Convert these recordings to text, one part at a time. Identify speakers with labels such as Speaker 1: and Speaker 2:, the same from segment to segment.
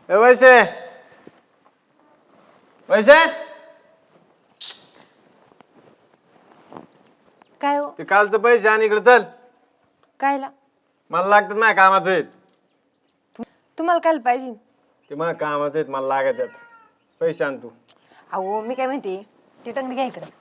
Speaker 1: वैसे वैसे
Speaker 2: काय हो?
Speaker 1: ते कालचं पैसे आणि इकडे चल.
Speaker 2: कायला?
Speaker 1: मला लागतात माझ्या कामाचे आहेत.
Speaker 2: तुम्हाला काय पाहिजे?
Speaker 1: ते माझ्या कामाचे आहेत, मला लागत आहेत पैसे. आण तू.
Speaker 2: अहो मी काय म्हणते, ती टंगडी घ्या इकडे.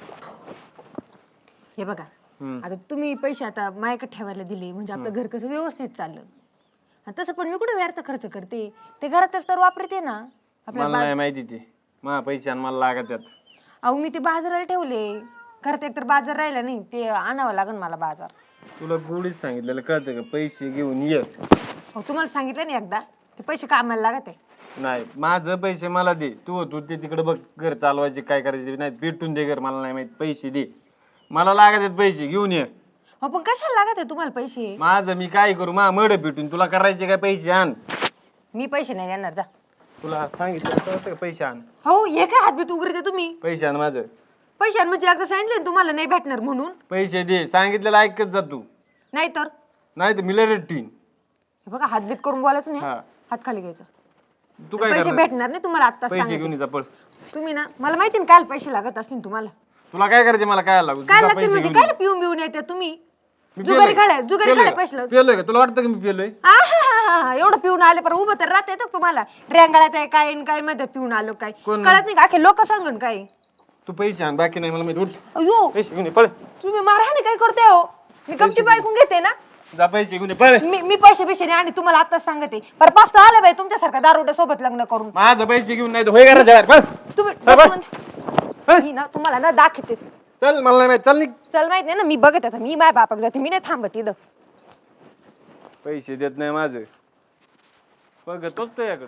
Speaker 2: हे बघा, आता तुम्ही पैसे आता माझ्याकडे ठेवायला दिले म्हणजे आपलं घर कसं व्यवस्थित चाललं. आणि तसं पण मी कुठे व्यर्थ खर्च करते, ते घरातच तर वापरते ना.
Speaker 1: मला नाही माहिती ते माझ्या पैसे आणि मला लागत आहेत.
Speaker 2: अहो मी ते बाजाराला ठेवले, घरात एकतर बाजार राहिला नाही, ते आणावं लागेल मला बाजार.
Speaker 1: तुला गोडीच सांगितलेलं कळतं का? पैसे घेऊन ये.
Speaker 2: हो तुम्हाला सांगितलं नाही एकदा, ते पैसे कामाला लागत आहे.
Speaker 1: नाही, माझं पैसे मला दे. तू ते तिकडे बघ, घर चालवायचे काय करायचे नाही, पेटून दे घर. मला नाही माहित, पैसे दे. मला लागत आहेत पैसे, घेऊन ये.
Speaker 2: हो पण कशाला लागत आहे तुम्हाला पैसे?
Speaker 1: माझं मी काय करू? मड पेटून तुला करायचे काय? पैसे आण.
Speaker 2: मी पैसे नाही देणार, जा.
Speaker 1: तुला सांगितलं कळतं का? पैसे आण.
Speaker 2: हो हे काय हातबीत उघडते तुम्ही?
Speaker 1: पैसे आण माझं.
Speaker 2: पैसे म्हणजे एकदा सांगितलं ना तुम्हाला नाही भेटणार म्हणून.
Speaker 1: पैसे दे, सांगितलेलं ऐकत जा तू.
Speaker 2: नाही तर
Speaker 1: नाही तर मी लय रट्टीन.
Speaker 2: हे बघा हातबीत करून बोलायचं नाही,
Speaker 1: हा.
Speaker 2: हात खाली घ्यायचा.
Speaker 1: तू काय
Speaker 2: पैसे
Speaker 1: करणार?
Speaker 2: भेटणार नाही तुम्हाला आता.
Speaker 1: पैसे घेऊन जा पळ.
Speaker 2: तुम्ही ना, मला माहिती ना काल पैसे लागत असतील तुम्हाला.
Speaker 1: तुला काय करायचे? मला काय लागू?
Speaker 2: काय
Speaker 1: तुझा
Speaker 2: लागतील
Speaker 1: पैसे
Speaker 2: म्हणजे
Speaker 1: घेऊन
Speaker 2: काय
Speaker 1: ये.
Speaker 2: पिऊन बिऊन येते तुम्ही?
Speaker 1: मी
Speaker 2: जुगारी
Speaker 1: पेलोय.
Speaker 2: खाल्या पैसे लावून.
Speaker 1: पेलोय का? तुला वाटतं की मी पेलोय?
Speaker 2: एवढं पिऊन आले पण उभं तर राहत येतं तुम्हाला. रेंगाळ्यात आहे काय काय मध्ये पिऊन आलो काय
Speaker 1: कोण?
Speaker 2: कळत नाही का? अखे लोक सांगन काय.
Speaker 1: तू पैसे आण, बाकी नाही मला माहिती. उठ,
Speaker 2: अयो
Speaker 1: पैसे घेऊन ये पळ.
Speaker 2: तुम्ही मारहाणे काय करते हो? मी गपचूप ऐकून घेते ना.
Speaker 1: जा पैसे घेऊन ये पळ.
Speaker 2: मी पैसे पैसे नाही आणि तुम्हाला आताच सांगते, पर पाच आलं बाई तुमच्यासारखा दारुड्या सोबत लग्न करून.
Speaker 1: माझं पैसे घेऊन नाही तर होय घराच्या बाहेर. पळ.
Speaker 2: तुम्ही
Speaker 1: हा, बस.
Speaker 2: म्हणजे- मी ना तुम्हाला ना दाखवतेच.
Speaker 1: चल, मला नाही माहित. चल निघ.
Speaker 2: चल माहित नाही ना, मी बघत आता, मी माझ्या बापाक जाते, मी नाही थांबत इथं.
Speaker 1: पैसे देत नाही माझं. बघतोच त्याकडे.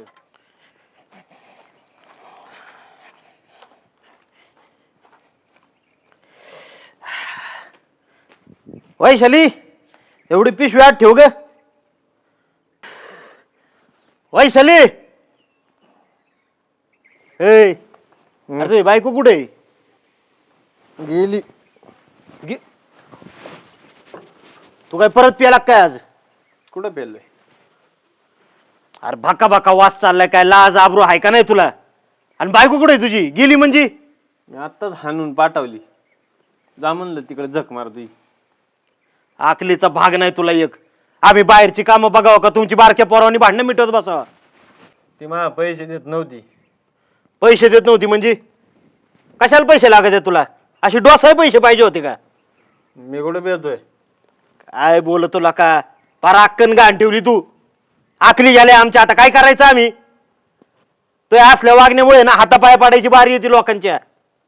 Speaker 3: वैशाली, एवढी पिशवी आत ठेव ग. वैशाली, ए अरे तुझी बायको कुठे आहे?
Speaker 1: गेली.
Speaker 3: तू काय परत प्याला काय आज?
Speaker 1: कुठं पेलोय?
Speaker 3: अरे भाका भाका वास चाललाय, काय लाज आबरू आहे का नाही तुला? आणि बायको कुठे आहे तुझी? गेली म्हणजे?
Speaker 1: मी आत्ताच हाणून पाठवली. जा म्हणलं तिकडे झक मार तुझी.
Speaker 3: आकलीचा भाग नाही तुला एक. आम्ही बाहेरची कामं बघावं का तुमची बारक्या पोरावानी भांडणं मिटवत बसावं?
Speaker 1: ती मला पैसे देत नव्हती.
Speaker 3: पैसे देत नव्हती म्हणजे? कशाला पैसे लागायचे तुला? अशी डोसाय पैसे पाहिजे होते का?
Speaker 1: मी कुठे पेतोय?
Speaker 3: काय बोलत तुला का? पार अक्कन घाण ठेवली तू. आखली गेले आमच्या, आता काय करायचं आम्ही? तो असल्या वागण्यामुळे ना हातापाया पाडायची बारी येते लोकांच्या.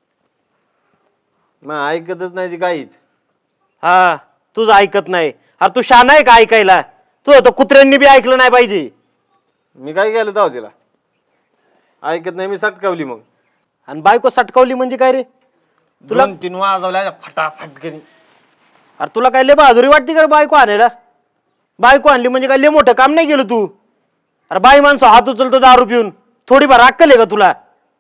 Speaker 1: मग ऐकतच नाही ती काहीच.
Speaker 3: हा, तुझं ऐकत नाही. अरे तू शान आहे का ऐकायला? तू होतं कुत्र्यांनी बी ऐकलं नाही पाहिजे.
Speaker 1: मी काय केलं तेव्हा तिला? ऐकत नाही, मी सटकावली. मग
Speaker 3: आणि बायको सटकावली म्हणजे काय रे? तुला
Speaker 1: 2-3 वाजवल्या फटाफट करी.
Speaker 3: अरे तुला काय लय बहादुरी वाटते का रे बायको आणायला? बायको आणली म्हणजे काय लय मोठं काम नाही केलं तू? अरे बाई माणसं हात उचलतो दारू पिऊन, थोडीफार अक्कल आहे का तुला?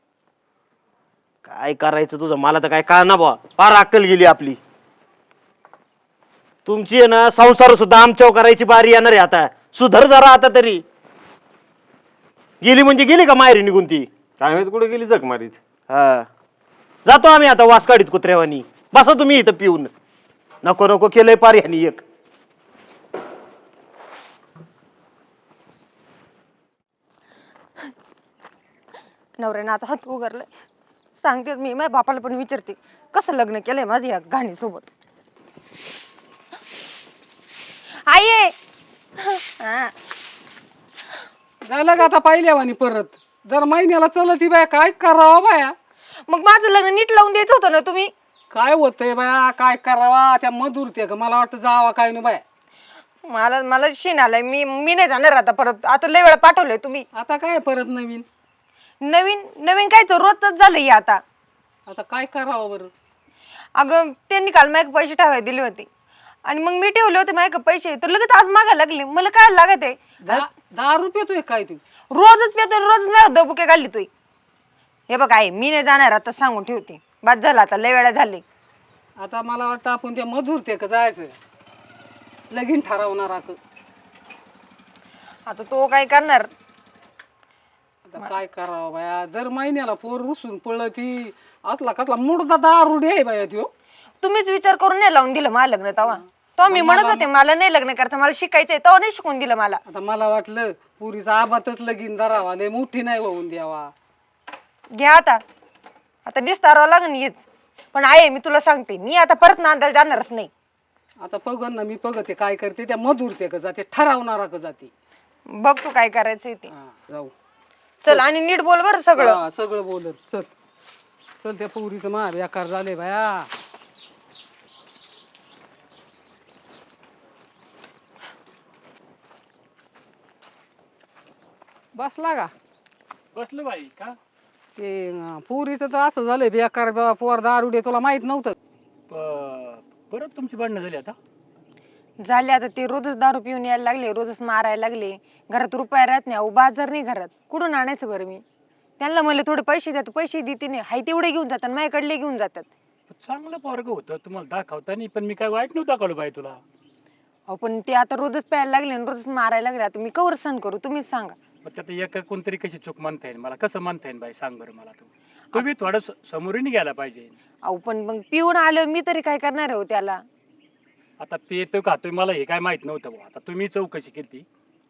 Speaker 3: काय करायचं तुझं मला तर काय कळना बुवा. फार अक्कल गेली आपली. तुमची आहे ना संसार सुद्धा आमच्यावर करायची बारी येणार आहे आता. सुधर जरा आता तरी. गेली म्हणजे गेली का माहेरी निघून ती?
Speaker 1: काय माहित कुठे गेली झक मारीत.
Speaker 3: हा, जातो आम्ही आता वास काढीत कुत्र्यावानी. बसा तुम्ही इथं पिऊन. नको नको केलंय पार ह्यानी एक.
Speaker 2: नवऱ्यानं आता हात उगारलाय. सांगते मी माझ्या बापाला पण विचारते कसं लग्न केलंय माझं या घाणी सोबत. आई आहे. हा.
Speaker 4: झालं का आता पाहिल्यावानी परत? दर महिन्याला चलत ही बाया, काय करावं बाया?
Speaker 2: मग माझं लग्न नीट लावून द्यायचं होतं ना तुम्ही.
Speaker 4: काय होतंय बाया, काय करावा? त्या मधुरते का मला वाटतं जावा काय ना बाया.
Speaker 2: मला मला शिन आलाय. मी नाही जाणार आता परत. आता लय वेळा पाठवलंय तुम्ही.
Speaker 4: आता काय परत नवीन?
Speaker 2: नवीन नवीन काय तर रोजच झालंय आता.
Speaker 4: आता काय करावं बरं?
Speaker 2: अगं त्यांनी काल माझ्याकडे पैसे ठेवायला दिले होते आणि मग मी ठेवले होते माझ्याकडे पैसे, तर लगेच आज मागायला लागले. मला काय लागत आहे?
Speaker 4: 10 रुपये काय तू?
Speaker 2: रोजच पेतो, रोजच माझ्या दबुके काढली तू. हे बघ आई, मी नाही जाणार आता, सांगून ठेवते. बाद झाला आता, लय वेळा झाले.
Speaker 4: आता मला वाटतं आपण त्या मधुरते का जायचं, लगीन ठरवणार.
Speaker 2: आता तो काय करणार?
Speaker 4: आता काय करावं बाया, दर महिन्याला पोर रुसून पळत ती असला कसला मुडदा दारुडे आहे बाया त्यो.
Speaker 2: तुम्हीच विचार करून नाही लावून दिलं मला लग्न तेव्हा. तो मी म्हणत होते मला नाही लग्न करायचं, मला शिकायचंय, तेव्हा नाही शिकून दिलं मला.
Speaker 4: आता मला वाटलं पुरीचा आबातच लगीन धरावा, लय मोठी नाही होऊन द्यावा.
Speaker 2: घ्या आता डिस्टारावं लागेल हेच. पण आहे मी तुला सांगते, मी आता परत नांदायला जाणारच नाही.
Speaker 4: आता पगन ना मी पगते काय करते त्या मधुरते का जाते, ठरवणारा का जाते.
Speaker 2: बघ तू काय करायचंय ते.
Speaker 4: जाऊ
Speaker 2: चल आणि नीट बोल बरं सगळं.
Speaker 4: हा, सगळं बोलत चल. चल त्या पुरीचं मार बेकार झाले बाया. बसला का
Speaker 5: बसलो बाई का
Speaker 4: ते पुरीचं तर असं झालंय बेकार पोर दारुडे, तुला माहित नव्हतं.
Speaker 5: परत तुमची भांडणं झाली आता.
Speaker 2: झाले आता ते रोजच दारू पिऊन यायला लागले, रोजच मारायला लागले. घरात रुपया राहत नाही, अहो बाजार नाही घरात, कुठून आणायचं बरं मी. त्यांना म्हणलं थोडे पैसे द्या, पैसे देते नाही, हाय तेवढे घेऊन जातात, माझ्याकडले घेऊन जातात.
Speaker 5: चांगलं पोरग होतं तुम्हाला दाखवतानी, पण मी काय वाईट नव्हतं दाखवलं बाई तुला.
Speaker 2: अहो पण ते आता रोजच प्यायला लागले आणि रोजच मारायला लागले, आता मी कवर सण करू, तुम्हीच सांगा.
Speaker 5: मग त्यात एका कोणतरी कशी चूक म्हणता येईल मला, कसं म्हणता येईल बाई सांग बरं मला. तुम्ही थोडं समोरीने गेला पाहिजे.
Speaker 2: अहो पण मग पिऊन आलो मी तरी काय करणार आहे हो त्याला.
Speaker 5: आता पेतो खातोय मला हे काय माहित नव्हतं बुवा. आता तुम्ही चौकशी केली.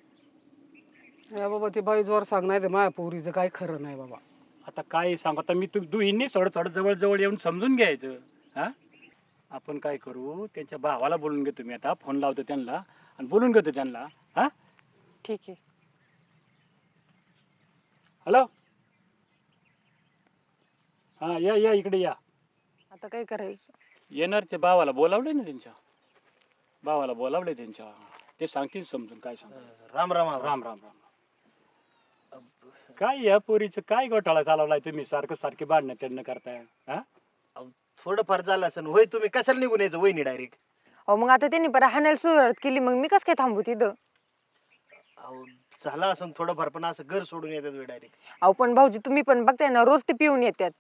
Speaker 4: बाबा ते बाई जोर सांग, नाही तर माझ्या पोरीचं काय खरं नाही बाबा.
Speaker 5: आता काय सांगू, आता मी दुहींनी थोडं थोडं जवळ जवळ येऊन समजून घ्यायचं. हा आपण काय करू, त्यांच्या भावाला बोलून घेतो मी, आता फोन लावतो त्यांना आणि बोलून घेतो त्यांना. हा
Speaker 2: ठीक आहे.
Speaker 5: हॅलो, हा या इकडे या.
Speaker 2: आता काय करायचं.
Speaker 5: येणार ते भावाला बोलावले ना, त्यांच्या भावाला बोलावले त्यांच्या, ते सांगतील समजून काय सांग.
Speaker 3: राम राम आबा.
Speaker 5: राम राम राम. काय या पोरीचं काय घोटाळा चालवलाय तुम्ही, सारखे भांडणं त्यांना करताय. हा
Speaker 3: थोडंफार झालं असं होय, तुम्ही कशाला निघून यायचं वहिनी डायरेक्ट.
Speaker 2: अहो मग आता त्यांनी परत हाणायला सुरुवात केली, मग मी कसं काय थांबू तिथं.
Speaker 3: अहो झालं असं थोडंफार, पण असं घर सोडून येतात वे डायरेक्ट.
Speaker 2: अहो पण भाऊजी तुम्ही पण बघताय ना, रोज ते पिऊन येतात.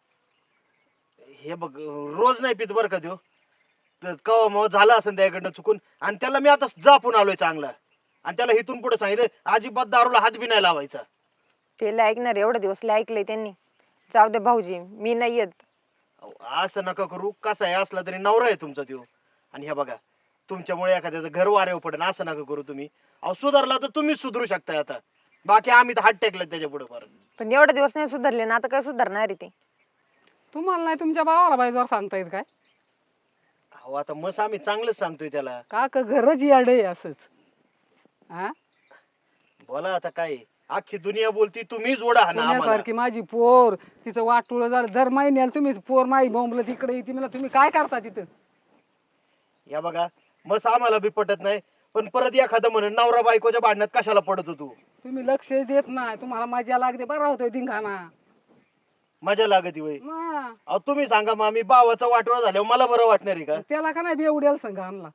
Speaker 3: हे बघ रोज नाही पित बरं का त्यो, तर कवा मग झालं असं त्याकडनं चुकून, आणि त्याला मी आता जापून आलोय चांगला, आणि त्याला इथून पुढे सांगितलं अजिबात दारूला हात बी नाही लावायचा.
Speaker 2: ते ऐकणार एवढे दिवस ऐकलंय त्यांनी. जाऊ दे भाऊजी, मी नाही येत.
Speaker 3: अहो, असं नका करू, कसा आहे असला तरी नवरा आहे तुमचा त्यो. आणि हे बघा तुमच्यामुळे एखाद्याचं घर वाऱ्यावर पडेल, असं नका करू तुम्ही. अहो सुधारला तर तुम्हीच सुधरू शकताय आता, बाकी आम्ही तर हात टेकले त्याच्या पुढे फार.
Speaker 2: पण एवढे दिवस नाही सुधारले ना, आता काय सुधारणार आहे ते.
Speaker 4: तुम्हाला नाही तुमच्या भावाला बाई जोर सांगता येत काय.
Speaker 3: अहो आता मस आम्ही चांगलंच सांगतोय त्याला.
Speaker 4: का घरच याडे असंच. हा
Speaker 3: बोला आता काय, अख्खी दुनिया बोलती, तुम्ही जोडा हा ना आम्हाला.
Speaker 4: पुण्यासारखी माझी पोर, तिचं वाटुळ झालं, दर महिन्याला तुम्ही पोर माई बोंबलं तिकडे येते, मला तुम्ही काय करता तिथं.
Speaker 3: या बघा मस आम्हाला बी पटत नाही, पण परत एखादं म्हणून नवरा बायकोच्या भांडणात कशाला पडत होतो.
Speaker 4: तुम्ही लक्ष देत नाही, तुम्हाला मजा लागते, बरा होतोय धिंगाणा.
Speaker 3: मजा लागती वय.
Speaker 4: मग
Speaker 3: अहो तुम्ही सांगा मग, आम्ही भावाचा वाटोळा झाल्यावर मला बरं वाटणार आहे का.
Speaker 4: त्याला का नाही बेवड्याला संघ आणला.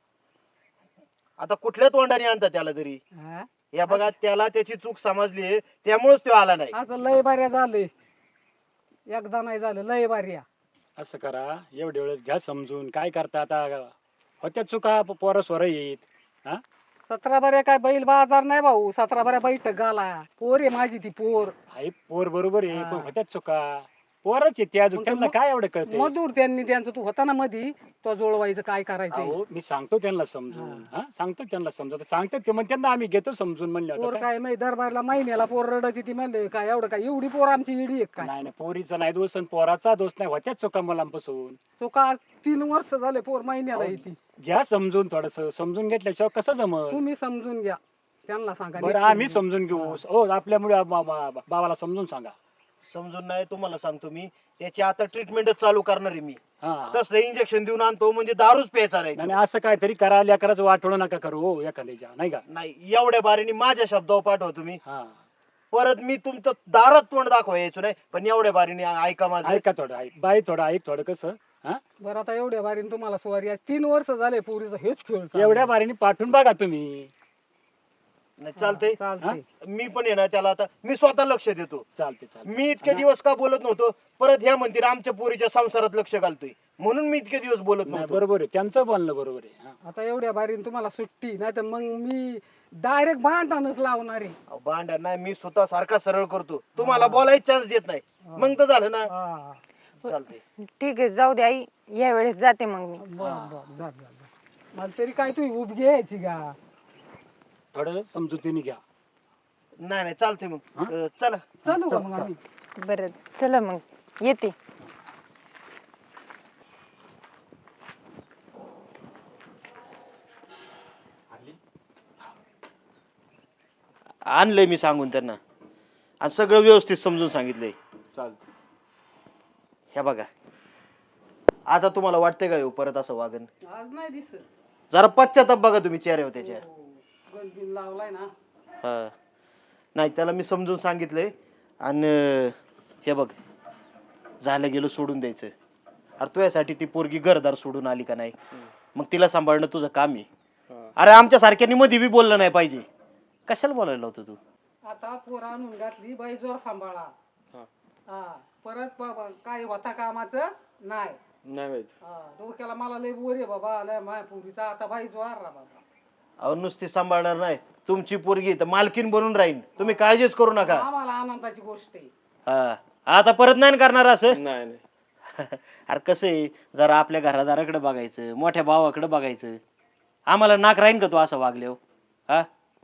Speaker 3: आता कुठल्या तोंडाने आणता त्याला तरी.
Speaker 4: हा?
Speaker 3: या बघा त्याला त्याची चूक समजली, त्यामुळेच तो आला नाही.
Speaker 4: आता लय बाऱ्या झाले, एकदा नाही झालं, लय बाऱ्या.
Speaker 5: असं करा, एवढे वेळेस घ्या समजून. काय करता आता, होत्या चुका, पोरं स्वरं येत. हा
Speaker 4: 17 बाऱ्या काय बैल बाजार नाही भाऊ, 17 बाऱ्या बैठक गाला. पोर आहे माझी ती पोर.
Speaker 5: आई पोर बरोबर आहे,
Speaker 4: हा.
Speaker 5: पण होत्याच चुका, पोरच येते अजून,
Speaker 4: मग
Speaker 5: त्यांना काय एवढं कळते.
Speaker 4: मधुर त्यांनी त्यांचं, तू होता ना मधी, तो जोडवायचं काय करायचं.
Speaker 5: अहो मी सांगतो त्यांना समजून. हा सांगतो त्यांना समजून, सांगतात ते मग त्यांना आम्ही घेतो समजून. म्हणलं
Speaker 4: पोर
Speaker 5: होतं काय.
Speaker 4: काय नाही, दरबारला महिन्याला पोर रडत ती म्हणले काय एवढं काय, एवढी पोर आमची इडी एक काय.
Speaker 5: नाही नाही, पोरीचा नाही दोष आणि पोराचा दोष नाही, होत्याच चुका मुलांपासून.
Speaker 4: तो का 3 वर्ष झाले पोर महिन्याला येते.
Speaker 5: घ्या समजून, थोडस समजून घेतल्याशिवाय कसं जमत.
Speaker 4: तुम्ही समजून घ्या, त्यांना सांगा.
Speaker 5: बरं आम्ही समजून घेऊ. हो आपल्यामुळे बाबाला समजून सांगा.
Speaker 3: समजून नाही तुम्हाला सांगतो मी, त्याची आता ट्रीटमेंटच चालू करणार आहे मी.
Speaker 5: हा
Speaker 3: तसलं इंजेक्शन देऊन आणतो म्हणजे दारूच प्यायचा नाही.
Speaker 5: नाही असं काहीतरी करा, लेकराचं वाटवणं नका करू हो एखाद्याच्या, नाही का.
Speaker 3: नाही एवढ्या बारीने माझ्या शब्दावर पाठवा तुम्ही.
Speaker 5: हा
Speaker 3: परत मी तुमचं दारात तोंड दाखवा यायचो नाही, पण एवढ्या बारीने ऐका माझं.
Speaker 5: ऐका थोडं, ऐक बाई, थोडं ऐक थोडं. कसं हा
Speaker 4: बरं आता एवढ्या बारीने तुम्हाला स्वारी आहे, 3 वर्ष झाले पोरीचा हेच खेळ चालू.
Speaker 5: एवढ्या बारीने पाठवून बघा तुम्ही.
Speaker 3: नाही चालतंय.
Speaker 4: चालतंय.
Speaker 3: मी पण आहे ना त्याला आता मी स्वतः लक्ष देतो.
Speaker 5: चालते चालते.
Speaker 3: मी इतके दिवस का बोलत नव्हतो, परत ह्या म्हणतील आमच्या पोरीच्या संसारात लक्ष घालतोय, म्हणून मी इतके दिवस बोलत
Speaker 5: नाही
Speaker 3: नव्हतो.
Speaker 5: बरोबर आहे, त्यांचं बोलणं बरोबर आहे. हा.
Speaker 4: आता एवढ्या बारीने तुम्हाला सुट्टी नाही तर मग मी डायरेक्ट भांडणच लावणारे.
Speaker 3: अहो, भांडण नाही, मी स्वतः सारखा सरळ करतो, तुम्हाला बोलायचा चान्स देत नाही, मग तर झालं ना.
Speaker 4: हा.
Speaker 3: चालते.
Speaker 2: ठीक आहे जाऊ दे आई, या वेळेस जाते मग मी.
Speaker 4: बरं बरं जा जा जा. मला तरी काय तू उभी घ्यायची का?
Speaker 5: थोडं समजुतीने घ्या.
Speaker 3: नाही नाही चालते मग. चला.
Speaker 4: चालू का मग आम्ही?
Speaker 2: बरं चला मग येते.
Speaker 3: आणलंय मी सांगून त्यांना, आणि सगळं व्यवस्थित समजून सांगितलंय.
Speaker 1: चालतं.
Speaker 3: ह्या बघा, आता तुम्हाला वाटतंय का येऊ परत असं वागन?
Speaker 4: आज नाही दिसत.
Speaker 3: जरा पश्चाताप बघा तुम्ही चेहऱ्यावर त्याच्या.
Speaker 4: गणबिन लावलाय ना.
Speaker 3: हा. नाही, त्याला मी समजून सांगितलंय. आणि हे बघ, झालं गेलं सोडून द्यायचं. अरे तुझ्यासाठी ती पोरगी घरदार सोडून आली का नाही, मग तिला सांभाळणं तुझं काम आहे. अरे आमच्या सारख्यांनी मध्ये बी बोललं नाही पाहिजे. कशाला बोलायला होतं तू?
Speaker 4: आता पोर आणून घातली बाई, जोर सांभाळा. हा परत बाबा काय होता कामाचं नाही.
Speaker 1: नाही माहित.
Speaker 4: हा डोक्याला मला लय बोर आहे बाबा, लय माया पोरीचा आता बाई जोर रा बाबा.
Speaker 3: अहो नुसती सांभाळणार नाही, तुमची पोरगी तर मालकीन बनून राहील. तुम्ही काळजीच करू नका.
Speaker 4: आम्हाला आनंदाची गोष्ट आहे.
Speaker 3: हा, आता परत नाही करणार असं.
Speaker 1: नाही नाही.
Speaker 3: अरे कसं आहे, जरा आपल्या घरादाराकडे बघायचं, मोठ्या भावाकडे बघायचं. आम्हाला नाक राहीन का तू असं वागले हो? हा,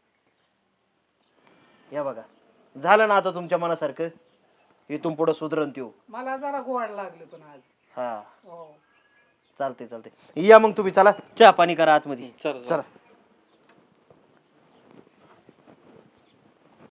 Speaker 3: या बघा, झालं ना आता तुमच्या मनासारखं. इथून पुढे सुधरण त्यो.
Speaker 4: मला जरा गोड लागले पण आज.
Speaker 3: हा
Speaker 4: हो
Speaker 3: चालते चालते. या मग तुम्ही, चला चहा पाणी करा आतमध्ये.
Speaker 1: चला
Speaker 3: चला.